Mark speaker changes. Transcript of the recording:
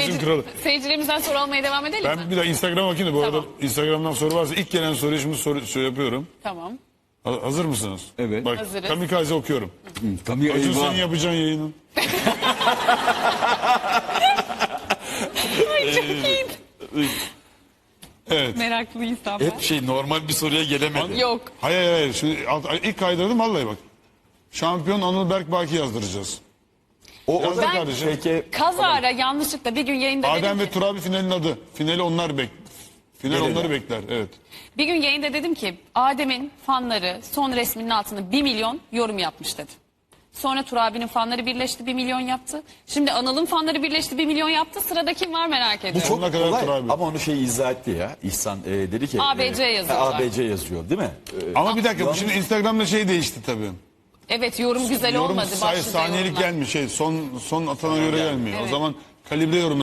Speaker 1: Paylaşım kralı.
Speaker 2: Seyircilerimizden soru almaya devam edelim mi?
Speaker 1: Ben bir daha Instagram'a bakayım da bu
Speaker 2: Tamam.
Speaker 1: arada Instagram'dan soru varsa ilk gelen soruyu şimdi şey yapıyorum.
Speaker 2: Tamam.
Speaker 1: Hazır mısınız?
Speaker 3: Evet.
Speaker 1: Bak
Speaker 2: Hazırız.
Speaker 1: kamikaze okuyorum.
Speaker 3: Tabii
Speaker 1: Acun
Speaker 3: eyvah.
Speaker 1: senin yapacağın yayını.
Speaker 2: Ay çok iyi.
Speaker 1: Evet.
Speaker 2: Meraklı insan ben.
Speaker 3: Hep normal bir soruya gelemedi.
Speaker 2: Yok.
Speaker 1: Hayır. Şimdi ilk kaydırdım vallahi bak. Şampiyon Anıl Berk Baki yazdıracağız.
Speaker 3: O
Speaker 1: Yazdır
Speaker 3: da
Speaker 1: kardeşim.
Speaker 3: peki
Speaker 2: Kazara yanlışlıkla bir gün yayında
Speaker 1: Adem
Speaker 2: dedim
Speaker 1: ve
Speaker 2: ki,
Speaker 1: Turabi finalin adı. Finali onlar Final
Speaker 3: Gelirler.
Speaker 1: onları bekler. Evet.
Speaker 2: bir gün yayında dedim ki Adem'in fanları son resminin altına 1 milyon yorum yapmış dedim. Sonra Turabi'nin fanları birleşti 1 milyon yaptı. Şimdi Anıl'ın fanları birleşti 1 milyon yaptı. Sırada kim var merak ediyorum.
Speaker 3: çok
Speaker 1: Sonuna kadar
Speaker 3: kolay
Speaker 1: Turabi.
Speaker 3: ama onu izah etti ya. İhsan dedi ki.
Speaker 2: ABC yazıyorlar.
Speaker 3: ABC yazıyor değil mi?
Speaker 1: Ama bir dakika bu şimdi Instagram'da şey değişti tabii.
Speaker 2: Evet yorum güzel
Speaker 1: Yorum
Speaker 2: olmadı. Başlıca
Speaker 1: saniyelik
Speaker 2: yorumlar.
Speaker 1: gelmiyor. Son atana göre gelmiyor. O
Speaker 2: Evet.
Speaker 1: zaman kalibre yorum